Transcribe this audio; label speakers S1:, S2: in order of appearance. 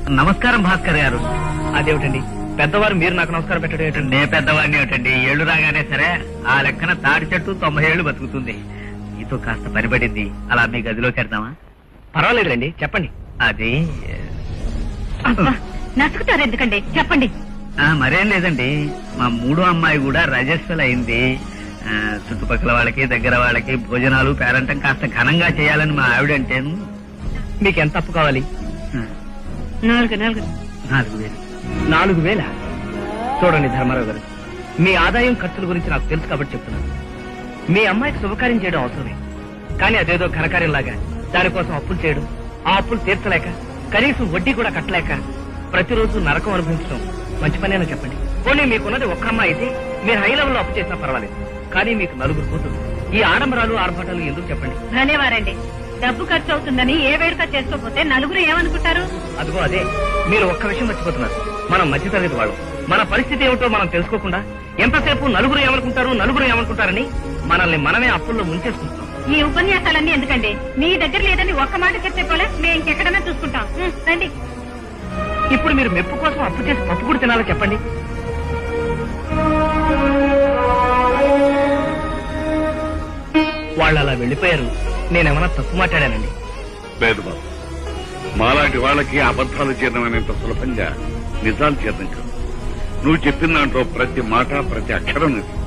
S1: నమస్కారం భాస్కర్ గారు. అదేమిటండి పెద్దవారు మీరు నాకు నమస్కారం పెట్టడం ఏమిటండి? నే పెద్దవాడిని ఏమిటండి, ఏళ్లు రాగానే సరే ఆ లెక్కన తాడి చెట్టు 90 ఏళ్లు బతుకుతుంది. మీతో కాస్త పనిపడింది, అలా మీ గదిలోకి వెళ్దామా? పర్వాలేదులేండి, చెప్పండి. అది
S2: నసుకుతారు ఎందుకండి, చెప్పండి.
S1: మరేం లేదండి, మా మూడో అమ్మాయి కూడా రజస్వల్ అయింది. చుట్టుపక్కల వాళ్ళకి దగ్గర వాళ్ళకి భోజనాలు పేరంటం కాస్త ఘనంగా చేయాలని మా ఆవిడంటే. మీకెంత అప్పు కావాలి?
S2: 4,000.
S1: 4,000. చూడండి ధర్మారావు గారు, మీ ఆదాయం ఖర్చుల గురించి నాకు తెలుసు కాబట్టి చెప్తున్నాను. మీ అమ్మాయికి శుభకార్యం చేయడం అవసరమే, కానీ అదేదో ఘనకార్యంలాగా దానికోసం అప్పులు చేయడం, ఆ అప్పులు తీర్చలేక కనీసం వడ్డీ కూడా కట్టలేక ప్రతిరోజు నరకం అనుభవించడం మంచి పనేనా చెప్పండి. పోనీ మీకున్నది ఒక్క అమ్మాయి అయితే మీరు హై లెవెల్లో అప్పు చేసినా పర్వాలేదు, కానీ మీకు 4 కూతురు. ఈ ఆడంబరాలు ఆర్భాటాలు ఎందుకు చెప్పండి?
S2: ధన్యవారండి. డబ్బు ఖర్చు అవుతుందని ఏ వేడుక చేసుకోకపోతే నలుగురు ఏమనుకుంటారు?
S1: అదిగో అదే, మీరు ఒక్క విషయం మర్చిపోతున్నారు. మనం మధ్యతరగతి వాళ్ళం. మన పరిస్థితి ఏమిటో మనం తెలుసుకోకుండా ఎంతసేపు నలుగురు ఏమనుకుంటారని మనల్ని మనమే అప్పుల్లో ముంచేసుకుంటాం.
S2: ఈ ఉపన్యాసాలన్నీ ఎందుకండి? మీ దగ్గర లేదని ఒక్క మాట చెప్తే పోలే, మేము ఇంకెక్కడైనా చూసుకుంటాం. రండి.
S1: ఇప్పుడు మీరు మెప్పు కోసం అప్పు చేసి పప్పు కూడా తినాలో చెప్పండి. వాళ్ళు అలా వెళ్లిపోయారు, నేనేమన్నా తప్పు మాట్లాడానండి?
S3: లేదు బాబు, మాలాంటి వాళ్ళకి అబద్ధాలు జీర్ణమైనంత సులభంగా నిజాలు జీర్ణం కాదు. నువ్వు చెప్పిన దాంట్లో ప్రతి మాట ప్రతి అక్షరం నిజం.